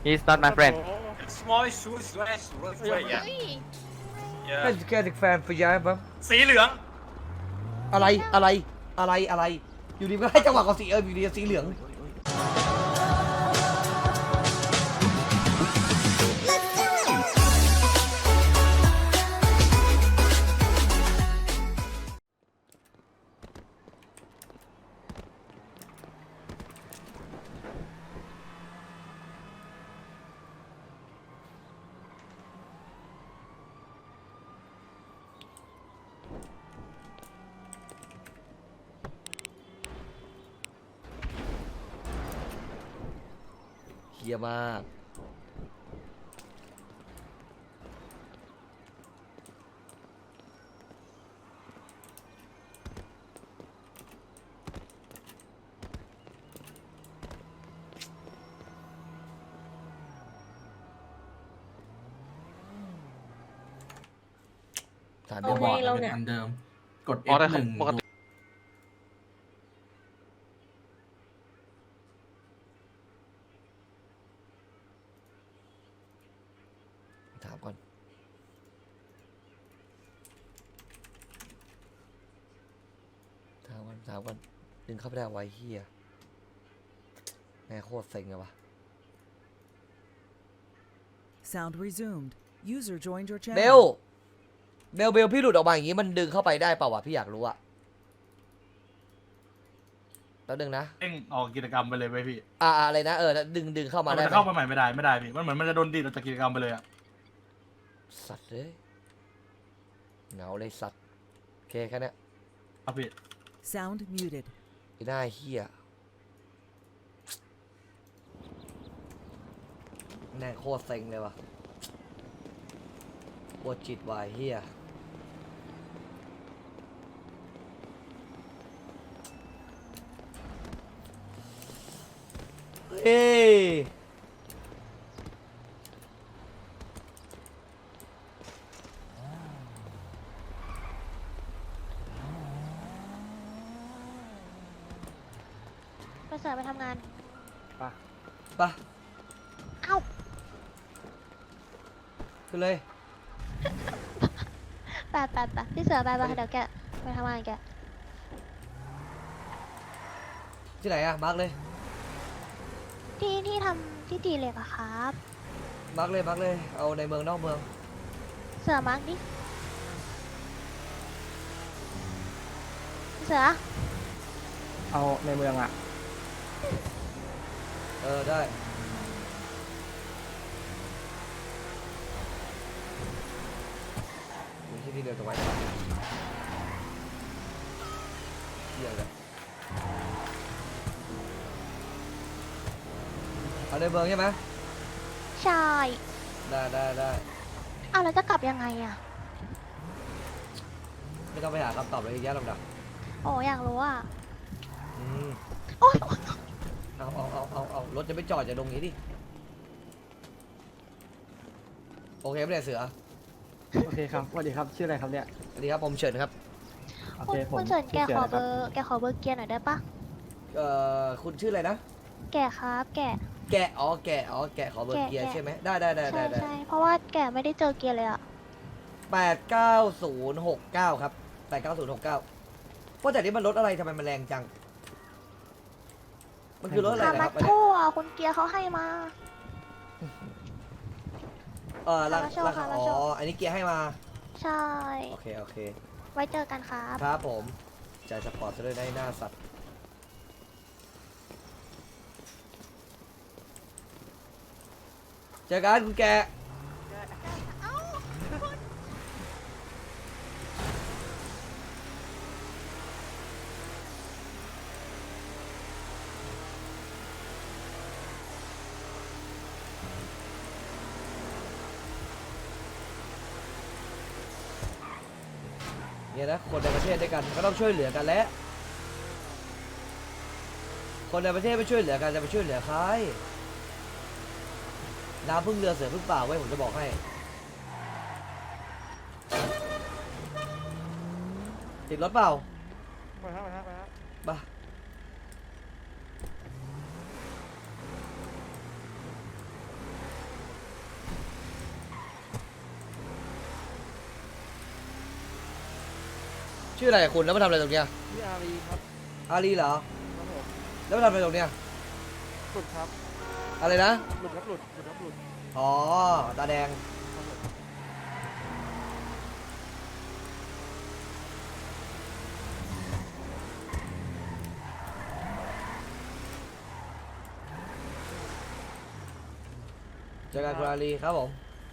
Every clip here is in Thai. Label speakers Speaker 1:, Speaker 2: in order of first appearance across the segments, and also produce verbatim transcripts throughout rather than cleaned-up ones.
Speaker 1: he's not my friend
Speaker 2: small shoes right right yeah
Speaker 3: แค่แค่ถึงแฟนไปย้ายปั๊บ
Speaker 2: สีเหลือง
Speaker 3: อะไรอะไรอะไรอะไรอยู่ดีก็ให้จังหวะกับสีเอออยู่ดีสีเหลืองเฮียมากถาม
Speaker 4: เอา
Speaker 3: เดี๋ยว
Speaker 4: ไง
Speaker 3: บอก
Speaker 4: เราเนี่ย
Speaker 5: อันเดิม กด
Speaker 1: อ๋อ
Speaker 5: F
Speaker 1: แต่
Speaker 5: หนึ่ง
Speaker 1: ปกติ
Speaker 3: ถามก่อนถามก่อนถามก่อนดึงเข้าไปได้ไว้เฮียแม่โคตรเซ็งเลยวะ
Speaker 6: Sound resumed. User joined your
Speaker 3: เบ
Speaker 6: channel.
Speaker 3: ลเบลเบลพี่หลุดออกมาอย่างงี้มันดึงเข้าไปได้เปล่าวะพี่อยากรู้อะแล้วดึงนะ
Speaker 5: เด้งออกกิจกรรมไปเลยไหมพี่
Speaker 3: อ่าอะไรนะเออดึงดึงเข้ามา
Speaker 5: มัน
Speaker 3: ได้
Speaker 5: จะ
Speaker 3: ไหม
Speaker 5: เข้าไปใหม่ไม่ได้ไม่ได้พี่ มันเหมือนมันจะโดนดีดออกจากกิจกรรมไปเลยอะ
Speaker 3: สัตว์เลยเหงาเลยสัตว์โอเคแค่นี้
Speaker 5: ครับพี่
Speaker 6: Sound muted.
Speaker 3: ไอ้หน้าเฮียแน่โคตรเซ็งเลยวะปวดจิตวายเฮียเฮ้ย
Speaker 4: ไปเสิร์ฟไปทำงาน
Speaker 3: ปะ
Speaker 4: เอ้า
Speaker 3: ขึ้นเลย
Speaker 4: แปดแปดแปดพี่เสือไปไปเดี๋ยวแกไปทำงานแก
Speaker 3: ที่ไหนอะมาร์กเลย
Speaker 4: ที่ที่ทำที่ตีเหล็กอะครับ
Speaker 3: มาร์กเลยมาร์กเลยเอาในเมืองนอกเมือง
Speaker 4: เสือมาร์กดิเสือ
Speaker 7: เอาในเมืองอ่ะ
Speaker 3: เออได้อยู่ที่นี่เดียวกับไว้ก่อนเหี้ยเลยเอาในเมืองใช่ไหม
Speaker 4: ใช่
Speaker 3: ได้ได้ได้
Speaker 4: เอาแล้วจะกลับยังไงอะ
Speaker 3: ไม่ต้องไปหาคำตอบอะไรเยอะแยะหรอกนะ
Speaker 4: โอ้อยากรู้อะ
Speaker 3: อืม
Speaker 4: โอ๊ย
Speaker 3: เอาเอาเอาเอาเอารถจะไม่จอดจะตรงนี้ดิโอเคไม่ได้เสือ
Speaker 7: โอเคครับสวัสดีครับ ชื่ออะไรครับเนี่ย
Speaker 3: สวัสดีครับผมเฉินครับ
Speaker 7: โอ
Speaker 4: คุ
Speaker 7: เค
Speaker 4: ณ
Speaker 7: ผม
Speaker 4: คุณเฉินแก
Speaker 7: ชื่
Speaker 4: ขอ
Speaker 7: สื
Speaker 4: เบอร์แกขอเบอร์เกียร์หน่อยได้ปะ
Speaker 3: เอ่อคุณชื่ออะไรนะ
Speaker 4: แกครับ แก
Speaker 3: แกะอ๋อแกะอ๋อแกะขอเบอร์
Speaker 4: แกะ
Speaker 3: เกียร์
Speaker 4: แกะ
Speaker 3: ใช่ไหมได้ได้ได้
Speaker 4: ใช่
Speaker 3: ได้ได้
Speaker 4: ใช่เพราะว่าแกไม่ได้เจอเกียร์เลยอะ
Speaker 3: แปดเก้าศูนย์หกเก้าครับแปดเก้าศูนย์หกเก้าว่าแต่นี้มันรถอะไรทำไมมันแรงจัง มันคือรถอะไร
Speaker 4: คา
Speaker 3: นะค
Speaker 4: มา
Speaker 3: รับอันเนี้ย
Speaker 4: โทั่วคุณเกียร์เขาให้มา
Speaker 3: เออรา
Speaker 4: คาราโช
Speaker 3: ราคา
Speaker 4: คารา
Speaker 3: อ๋
Speaker 4: โช
Speaker 3: ออันนี้เกียร์ให้มา
Speaker 4: ใช่
Speaker 3: โอเคโอเค
Speaker 4: ไว้เจอกันครับ
Speaker 3: ครับผมจ่ายสปอร์ตซะด้วยได้หน้าสัตว์เจอกันคุณแก เนี่ยนะคนในประเทศด้วยกันก็ต้องช่วยเหลือกันและคนในประเทศไม่ช่วยเหลือกันจะไปช่วยเหลือใครน้ำพึ่งเรือเสือพึ่งป่าไว้ผมจะบอกให้ติดรถเปล่า
Speaker 7: ไปครับไปครับไปครับ
Speaker 3: บ้าชื่ออะไรอะคุณแล้วมาทำอะไรตรงเนี้ย
Speaker 7: พี่อารีครับ
Speaker 3: อาลีเหรอ
Speaker 7: ครับผม
Speaker 3: แล้วมาทำอะไรตรงเนี้ย
Speaker 7: หลุดครับ
Speaker 3: อะไรนะ
Speaker 7: หลุดครับหลุดหลุดครับหลุด
Speaker 3: อ๋อตาแดง
Speaker 7: ครับผม
Speaker 3: เจอกันคุณอาลีครับผม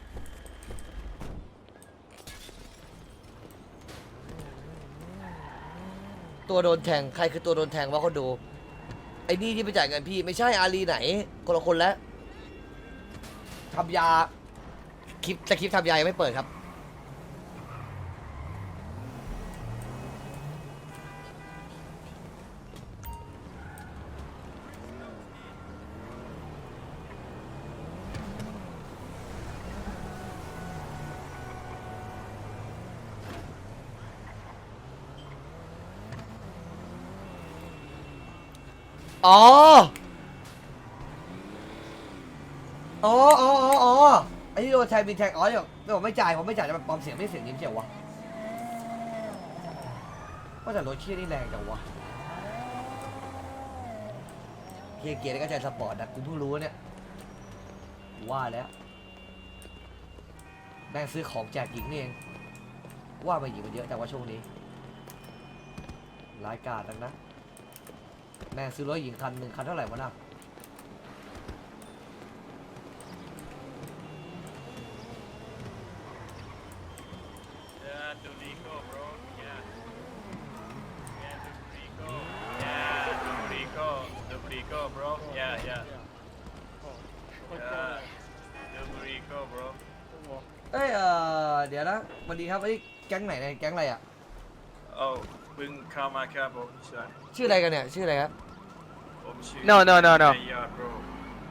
Speaker 3: ตัวโดนแทงใครคือตัวโดนแทงวะคนดูไอ้นี่ที่ไปจ่ายเงินพี่ไม่ใช่อาลีไหนคนละคนแล้วทำยาคลิปแต่คลิปทำยายังไม่เปิดครับอ๋อ อ๋ออ๋ออ๋ออ๋อไอ้ที่โดนแทงมีแทงอ๋อเดี๋ยวไม่บอกไม่จ่ายผมไม่จ่ายจะแบบปลอมเสียงไม่เสียงยิ้มเชียววะว่าแต่รถเชี่ยนี่แรงจังวะเกียร์เกียร์นี่ก็ใจสปอร์ตนะกูเพิ่งรู้เนี่ยว่าแล้วแม่งซื้อของแจกหญิงนี่เองว่ามาหญิงมันเยอะแต่ว่าช่วงนี้ร้ายกาจนักนะแม่งซื้อรถหญิงคันหนึ่งคันเท่าไหร่วะน่ะ
Speaker 2: Yeah, Dorico, bro. Yeah. Yeah, Dorico. Yeah, Dorico. Dorico, bro. Yeah, yeah.
Speaker 7: โอ้โหโอ้โห
Speaker 2: Yeah. Dorico, bro.
Speaker 3: เอ้ยเออเดี๋ยวนะสวัสดีครับไอ้ยแก๊งไหนเนี่ยแก๊งอะไรอ่ะ
Speaker 2: Oh, เพิ่งเข้ามาครับผมใช่
Speaker 3: ชื่ออะไรกันเนี่ยชื่ออะไรครับ
Speaker 2: ผมชื่อ
Speaker 1: No, no, no, no.
Speaker 2: นายยอด bro.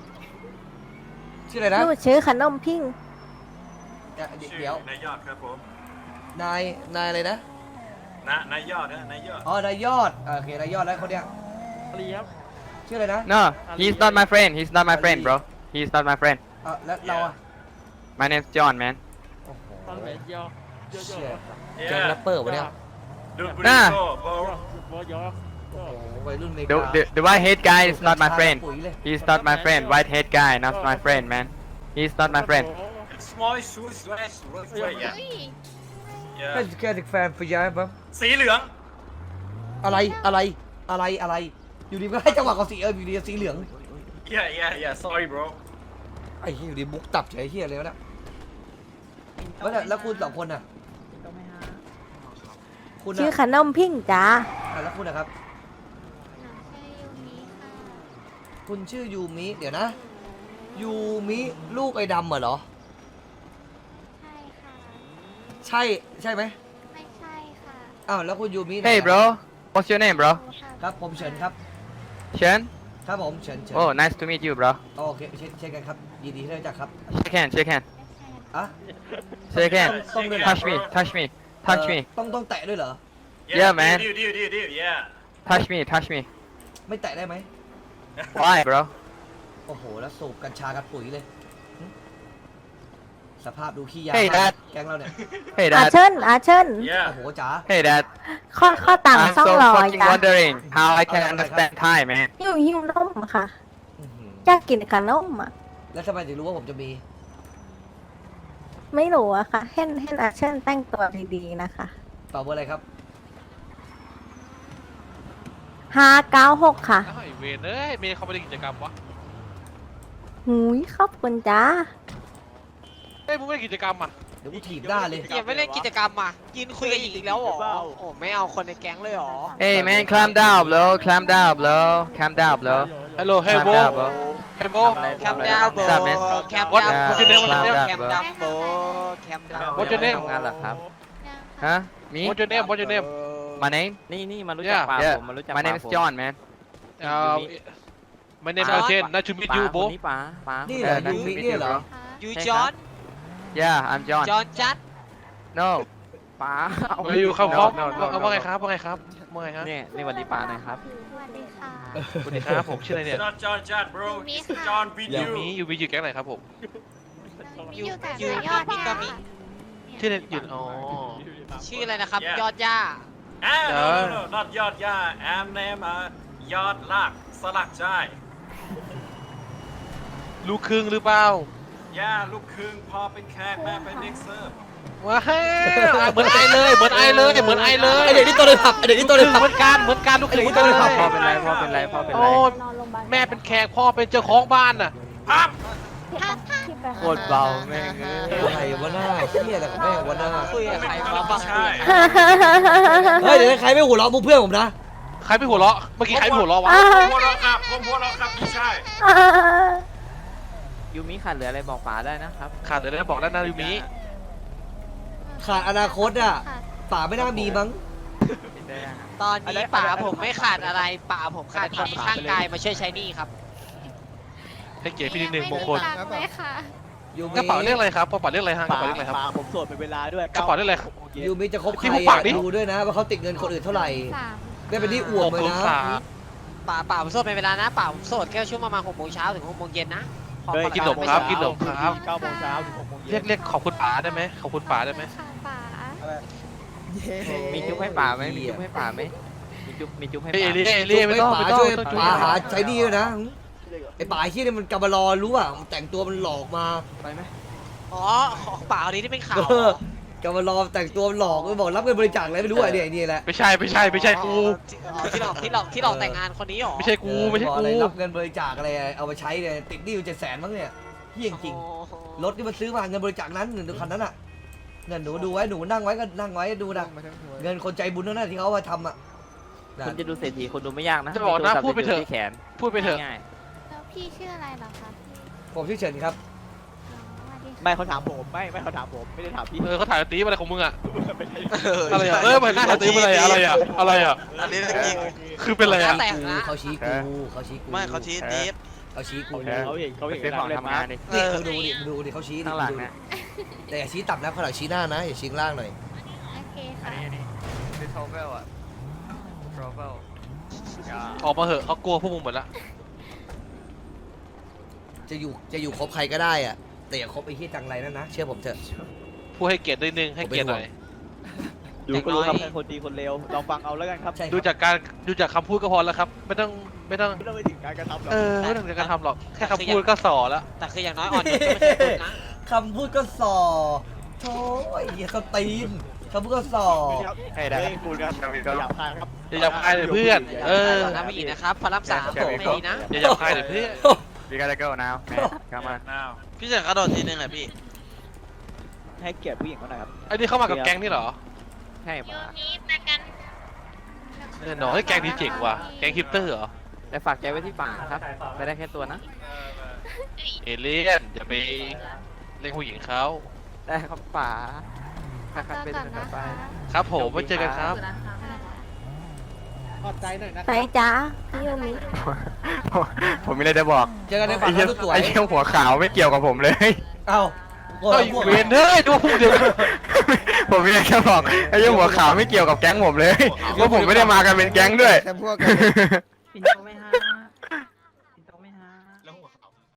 Speaker 3: ชื่ออะไรนะ
Speaker 4: หนูชื่อขนมพิง
Speaker 3: เดี๋ยว
Speaker 2: ชื่อ
Speaker 3: เดี๋ยวน
Speaker 2: ายยอดครับผม
Speaker 3: นายนายอะไรนะ
Speaker 2: นะนายยอดนะนายยอด
Speaker 3: อ๋อนายยอดอ่าโอเคนายยอดแล้วคนเนี้ย
Speaker 7: อารีครับ
Speaker 3: ชื่ออะไรนะ
Speaker 1: No, he's not my friend. He's not my friend, bro. He's not my friend.
Speaker 3: อ่ะแล้วเราอ่ะ
Speaker 1: My name's John, man.
Speaker 3: โอ้โห
Speaker 7: ตอนไหนเยอะเยอะเย
Speaker 3: เชี่ย
Speaker 7: อะ
Speaker 3: แก๊งแรปเปอร์วะเนี่ย
Speaker 2: Dorico,
Speaker 1: น่า
Speaker 2: bro.
Speaker 7: บอยอ
Speaker 3: โอ้โหวัยรุ่นเม
Speaker 1: The
Speaker 3: กา
Speaker 1: the the white head guy is not my friend.
Speaker 3: ปุ๋ยเลย
Speaker 1: He's not my friend. White head guy, not my friend, man. He's not my friend.
Speaker 2: Small shoes slash rose red, yeah.
Speaker 3: แค่
Speaker 2: Yeah.
Speaker 3: แค่ถึงแฟนพยายปั๊ม
Speaker 2: สีเหลือง
Speaker 3: อะไรอะไรอะไรอะไรอยู่ดีก็ให้จังหวะกับสีเอออยู่ดีสีเหลือง
Speaker 2: Yeah, yeah, yeah. Sorry, bro.
Speaker 3: ไอ้เหี้ยอยู่ดีบุกตับเฉยเหี้ยเลยวะเนี่ยแล้วเนี่ยแล้วคุณสองคนน่ะคุณ
Speaker 4: ชื่อ
Speaker 3: น่ะ
Speaker 4: ขนมพิงจ้า
Speaker 3: อ่ะแล้วคุณนะครับ คุณชื่อยูมิ เดี๋ยวนะ ยูมิ ลูกไอ้ดำเหรอ
Speaker 4: ใช่ค่ะ
Speaker 3: ใช่ ใช่ไหม
Speaker 4: ไม่ใช่ค่ะ
Speaker 3: อ้าว แล้วคุณยูมิไหน
Speaker 1: Hey,
Speaker 3: อะ
Speaker 1: bro. What's your name, bro?
Speaker 3: ครับ ผมเฉินครับ
Speaker 1: Chen?
Speaker 3: ครับผมเฉินเฉิน
Speaker 1: Oh, nice to meet you, bro.
Speaker 3: โอเคเช่นเช่นกันครับ ยินดีที่ได้รู้จักครับ
Speaker 1: Shake hand, shake hand,
Speaker 3: อ่ะ
Speaker 1: shake hand.
Speaker 3: ต้องด้วยเหรอ
Speaker 1: Touch me, touch me, touch
Speaker 3: เอ่
Speaker 1: me,
Speaker 3: อต้องต้องแตะด้วยเหรอ
Speaker 1: Yeah, man.
Speaker 2: Deal, deal, deal, deal. Yeah.
Speaker 1: touch me, touch me.
Speaker 3: ไม่แตะได้ไหม
Speaker 1: Why, bro?
Speaker 3: โอ้โห แล้วสูบกัญชากับปุ๋ยเลยหึสภาพดูขี้ยา
Speaker 1: Hey,
Speaker 3: มาก
Speaker 1: Dad.
Speaker 3: แก๊งเราเนี่ย
Speaker 1: Hey,
Speaker 4: อา
Speaker 1: dad.
Speaker 4: เชิญอาเชิญ
Speaker 2: Yeah.
Speaker 3: โอ้โหจ๋า
Speaker 1: Hey, dad.
Speaker 4: ข้อข้อต่าง
Speaker 1: I'm
Speaker 4: สอง
Speaker 1: so
Speaker 4: ร้อย
Speaker 1: fucking
Speaker 4: จ้า
Speaker 1: wondering how I can
Speaker 3: Okay,
Speaker 1: understand Thai, man.
Speaker 4: หิวหิวนมค่ะ
Speaker 3: อื้อหือ
Speaker 4: อยากกินขนมอ่ะ
Speaker 3: แล้วทำไมถึงรู้ว่าผมจะมี
Speaker 4: ไม่รู้อะค่ะ เห็นเห็นอาเชิญแต่งตัวดีๆนะคะ
Speaker 3: ตอบว่าอะไรครับ
Speaker 4: ห้าเก้าหกค่ะ
Speaker 8: อ้าวไอ้เวนเอ้ยเมย์เขาไม่ได้กิจกรรมวะ
Speaker 4: หุยขอบคุณจ้า
Speaker 8: เฮ้ยมึงไม่ได้กิจกรรมอ่ะ
Speaker 3: เดี๋ยวกูถีบหน้าเลย
Speaker 9: อย่าไม่เล่นกิจกรรมอ่ะกินคุยกับหญิงอีกแล้วเหรอโอ้ไม่เอาคนในแก๊งเลยเหรอ
Speaker 1: Hey, man, calm down, bro. Calm down, bro. Calm down, bro.
Speaker 8: ฮัลโหลเฮ้ย
Speaker 1: Calm
Speaker 8: โบ
Speaker 1: down, bro.
Speaker 8: เฮ้ยโบ
Speaker 9: แคมดาวโบ
Speaker 1: What's up, man?
Speaker 9: แคม
Speaker 8: What-
Speaker 9: ดาว
Speaker 8: what's your name? What's your name?
Speaker 9: แคมดาวโบแคมดาว
Speaker 8: What's your name?
Speaker 1: ทำงานเหรอครับ Huh? Me?
Speaker 8: What's your name What's your name
Speaker 1: My name?
Speaker 10: นี่นี่มารู้จัก
Speaker 8: Yeah.
Speaker 10: ปาก
Speaker 1: Yeah.
Speaker 10: ผมมารู้จัก
Speaker 1: My name
Speaker 10: ปาก
Speaker 1: is
Speaker 10: ผม
Speaker 1: John, man.
Speaker 8: อ่า My name is Chen Nice to meet
Speaker 10: ปา
Speaker 8: you
Speaker 10: ค
Speaker 8: bro
Speaker 10: นนี้ป๋าป๋า
Speaker 3: นี่เหรอ
Speaker 1: Yeah,
Speaker 3: ยู
Speaker 1: nice to
Speaker 3: มิ
Speaker 1: meet
Speaker 3: เนี่
Speaker 1: you,
Speaker 3: ยเหรอ
Speaker 1: bro.
Speaker 9: ยู
Speaker 10: ใช่
Speaker 9: จ
Speaker 10: ค
Speaker 9: อ
Speaker 10: รั
Speaker 9: น
Speaker 10: บ
Speaker 1: Yeah, I'm John.
Speaker 9: จอนจัด
Speaker 1: No.
Speaker 10: ป๋าเอา
Speaker 8: เฮ้ยอยู่ครับ
Speaker 1: No,
Speaker 8: ครับ
Speaker 1: no, no,
Speaker 8: เอา
Speaker 1: no,
Speaker 8: ว่าไง
Speaker 1: no.
Speaker 8: ครับว่าไงครับว่าไงฮะ
Speaker 10: เนี่ยนี่วันนี้ป๋าหน่อยครับ
Speaker 4: สวัสดีค่ะ
Speaker 8: สวัสดีครับผมชื่ออะไรเนี่ย
Speaker 2: It's not John Chan, bro.
Speaker 4: Yumi
Speaker 2: It's
Speaker 4: ค่ะ
Speaker 2: John
Speaker 8: ยู
Speaker 2: Video.
Speaker 8: มิยูมิอยู่แก๊งไหนครับผม
Speaker 9: ยู
Speaker 4: อยู่แต่
Speaker 9: ยู
Speaker 4: ยอด
Speaker 9: มิ
Speaker 4: เนี่ย
Speaker 9: กามิ
Speaker 8: ชื่ออะไรอยู่อ๋อ
Speaker 9: ชื่ออะไรนะครับ
Speaker 2: Yeah.
Speaker 9: ยอดย่า
Speaker 2: อ่า no no no not ยอดย่า I'm name อ่ะยอดลากสลักใจ
Speaker 8: ลูกครึ่งหรือเปล่า
Speaker 2: ย่าลูกครึ่งพ่อเป็นแขกแม่เป็นเด็กเสิร์ฟ
Speaker 8: ว้าวเหมือนไอเลยเหมือนไอเลยเหมือนไอเลย
Speaker 3: ไอเด็กนี่ตัวเลยผักไอเด็กนี่ตัวเลยผัก
Speaker 8: เหมือนกันเหมือนกันลูกครึ่งเหมือนกันเลย
Speaker 1: พ่อเป็นไรพ่อเป็นไรพ่อเป็นไร
Speaker 8: โอ้แม่เป็นแขกพ่อเป็นเจ้าของบ้านน่ะ
Speaker 2: ปั๊บ
Speaker 1: โคตรเบาแม่งเอ้ย
Speaker 3: ใครวะหน้าเชี่ยแต่ของแม่งวะหน้า
Speaker 9: คุยกับใคร
Speaker 2: ไม่
Speaker 9: มาบ้าง
Speaker 2: ใช่
Speaker 3: เฮ้ยเดี๋ยวใครไม่หัวเราะมุกเพื่อนผมนะ
Speaker 8: ใครไปหัวเราะเมื่อกี้ใครไปหัวเราะวะ
Speaker 2: ผมหัวเราะครับผมหัวเราะครับพี่ชาย
Speaker 10: ยูมิขาดเหลืออะไรบอกป๋าได้นะครับ
Speaker 8: ขาดเดี๋ยวได้บอกด้านหน้ายูมิ
Speaker 3: ขาดอนาคตอ่ะป่าไม่น่ามีมั้ง
Speaker 9: ตอนนี้ป่าผมไม่ขาดอะไรป่าผมขาดคนข้างกายมาช่วยใช้หนี้ครับ
Speaker 8: ให้เกียรติพี่นิดนึงมงคล
Speaker 3: ยูมิ
Speaker 8: กระเป๋าเรียกอะไรครับกระเป๋าเรียกอะไรฮะกระเป๋าเรียกอะไรครับ
Speaker 7: ผมโสดเป็นเวลาด้วย
Speaker 8: กระเป๋าเรียกอะไร
Speaker 3: ยูมิจะคบใคร
Speaker 8: ที่ผมฝากดิ
Speaker 3: อ่ะดูด้วยนะว่าเขาติดเงินคนอื่นเท่าไหร่ไม่เป็นที่อว
Speaker 8: ห
Speaker 3: ด
Speaker 8: ก
Speaker 3: เลย
Speaker 8: ศูน
Speaker 3: นะ
Speaker 8: ย์สาม
Speaker 9: ป่าป่าผมโสดเป็นเวลานะป่าผมโสดแค่ช่วงประมาณหกโมงเช้าถึงหกโมงเย็นนะพอ
Speaker 8: กินหนมครับกินหนมครับ
Speaker 7: เก้าโมงเช้าถึงหกโมง
Speaker 8: เรียกเรียกขอบคุณป๋าได้ไหมขอบคุณป๋าได้ไหม
Speaker 10: มีจุ๊บให้ป๋าไหมมีจุ๊บให้ป๋าไหมมีจุ๊บมีจุ๊บให้
Speaker 8: เฮ้ย
Speaker 10: ป๋า
Speaker 8: เอเลี่ยเอเลี่ยไม่ต้อง
Speaker 3: ป่า
Speaker 8: ไม่ต้อง
Speaker 3: ช่วย
Speaker 8: ไม่ต้อง
Speaker 3: ป่าหาใช้หนี่ด้วยนะไอ้ป่าไอ้ที่นี่มันกำมารอรู้ป่ะมันแต่งตัวมันหลอกมา
Speaker 10: ไปไหม
Speaker 9: อ๋อของป่าอันนี้ที่เป็นข่าว
Speaker 3: เออกำมารอแต่งตัวมันหลอกมันบอกรับเงินบริจาคอะไรไม่รู้อ่ะเนี่ยไอ้นี่แหละ
Speaker 8: ไม่ใช่ไม่ใช่ไม่ใช่กู
Speaker 9: อ๋อที่หลอกที่หลอกที่หลอกแต่งงานคนนี้หรอ
Speaker 8: ไม่ใช่กูไม่ใช่
Speaker 3: บอก
Speaker 8: กู
Speaker 3: อะไรรับเงินบริจาคอะไรเอาไปใช้เนี่ยติดหนี้อยู่เจ็ดแสนมั้งเนี่ยเฮี้ยจริง
Speaker 9: โอ้โห
Speaker 3: รถที่มันซื้อมาเงินบริจาคนั้นหนึ่งคันนั้นอ่ะเงินหนูดูไว้หนูนั่งไว้ก็นั่งไว้ดูนะเงินคนใจบุญนั่นน่ะที่เขาเอามาทำอ่ะ
Speaker 10: คุณจะดูเศรษฐีคนดูไม่ยากนะ
Speaker 8: จะบอกนะ
Speaker 10: มีโทรศัพท์
Speaker 8: พูดไปเถอะ
Speaker 10: ที่แขน
Speaker 8: พูดไปเถอะ
Speaker 10: ง่าย
Speaker 4: แล้วพี่ชื่ออะไรเหรอคะพี่
Speaker 3: ผมชื่อเฉินครับ
Speaker 7: ไม่เขาถามผมไม่ไม่เขาถามผมไม่ได้ถามพี่
Speaker 8: เออเขาถ่ายตีอะไรของมึงอะ
Speaker 7: อะ
Speaker 8: อะไรอะเออมันถ่ายตีอะไรอะอะไรอะอะไรอะ
Speaker 11: อันนี้จริง
Speaker 8: คือเป็นอะไรอะ
Speaker 9: แต่ง
Speaker 3: กู
Speaker 9: นะ
Speaker 3: เขาชี้กูเขาชี้กู
Speaker 11: ไม่เขาชี้ดีฟ
Speaker 3: เขาชี้กู
Speaker 7: เขาเห็นเขา
Speaker 10: ไป
Speaker 7: เห็น
Speaker 10: ซื้อของ
Speaker 7: เล่น
Speaker 10: ทำ
Speaker 7: มาง
Speaker 10: านดิ
Speaker 3: นี่มึงดูดิมึงดูดิเขาชี้ดิ
Speaker 10: ข้างหลัง
Speaker 3: มึดูดิ
Speaker 10: นะ
Speaker 3: แต่อย่าชี้ต่ำนะเขาหลังชี้หน้านะอย่าชี้ข้างล่างหน่อย
Speaker 4: โอเคค่ะ
Speaker 10: คือโทรเวลอะโทรเวล
Speaker 8: ออกมาเหอะเขากลัวพวกมึงหมดละ
Speaker 3: จะอยู่จะอยู่คบใครก็ได้อ่ะแต่อย่าคบไอ้ที่จังไรนั่นนะเชื่อผมเถอะ
Speaker 8: พูดให้เกียรตินิดนึงให้เกียรติหน่อย
Speaker 7: ดูก็รู้ครับใครคนดีคนเลวลองฟังเอาแล้วกันครับ
Speaker 3: ใช่ครับ
Speaker 8: ดูจากการดูจากคำพูดก็พอแล้วครับ ไม่ต้องไม่ต้อง
Speaker 7: ไม่ต้องไปถึงการกระทำหรอก
Speaker 8: เออไม่ต้องถึงการทำหรอกแค่คำพูดก็สอแล้ว
Speaker 9: แต่คืออย่างน้อยอ่อนโยนก็ไม่ใช่คนนะ
Speaker 3: คำพูดก็ส่อโถ่ไอ้เหี้ยเขาตีนคำพูดก็ส่อ
Speaker 7: ให้ได้พูดกันหยาบคายครับ
Speaker 8: อย่าหยาบคายเลยเพื่อน เออ
Speaker 9: น้ำไม่อีกนะครับพระรามสามไม่ดีนะ
Speaker 8: อย่าหยาบคายเลยเพื่อน
Speaker 1: We gotta go now man come on
Speaker 2: now
Speaker 11: พี่จะกระโดดทีนึงแหละพี่
Speaker 7: ให้เกียรติผู้หญิงเขาหน่อยครับ
Speaker 8: ไอ้นี่เข้ามากับแก๊งนี่เหรอ
Speaker 10: ใช่ป๋า
Speaker 8: เออหนอให้แก๊งนี้เจ๋งว่ะแก๊งฮิปเตอร์เหรอ
Speaker 10: แต่ฝากใจไว้ที่ป๋าครับไปได้แค่ตัวนะ
Speaker 8: เอเลี่ยนอย่าไปเล่นผู้หญิงเขา
Speaker 10: ได้ครับป๋าครับครับเป็นต่อไป
Speaker 8: ครับผมไว้เจอกันครับ
Speaker 4: ไปจ้าพี่ยูมิ
Speaker 1: ผมมีอะไรจะบอก
Speaker 3: เจอกันใน
Speaker 1: ไอ้
Speaker 3: ฝัน
Speaker 1: เหี้ย
Speaker 3: นะสวย
Speaker 1: ไอ้เหี้ยหัวขาวไม่เกี่ยวกับผมเลย
Speaker 3: เอ้าโง่
Speaker 8: เฮ้ย
Speaker 3: พวก
Speaker 8: เวนเฮ้ยดูพูดเดียวกัน
Speaker 1: ผมมีอะไรจะบอกไอ้เหี้ยหัวขาวไม่เกี่ยวกับแก๊งผมเลยว่าผมไม่ได้มากันเป็นแก๊งด้วย
Speaker 10: แต่พวกกัน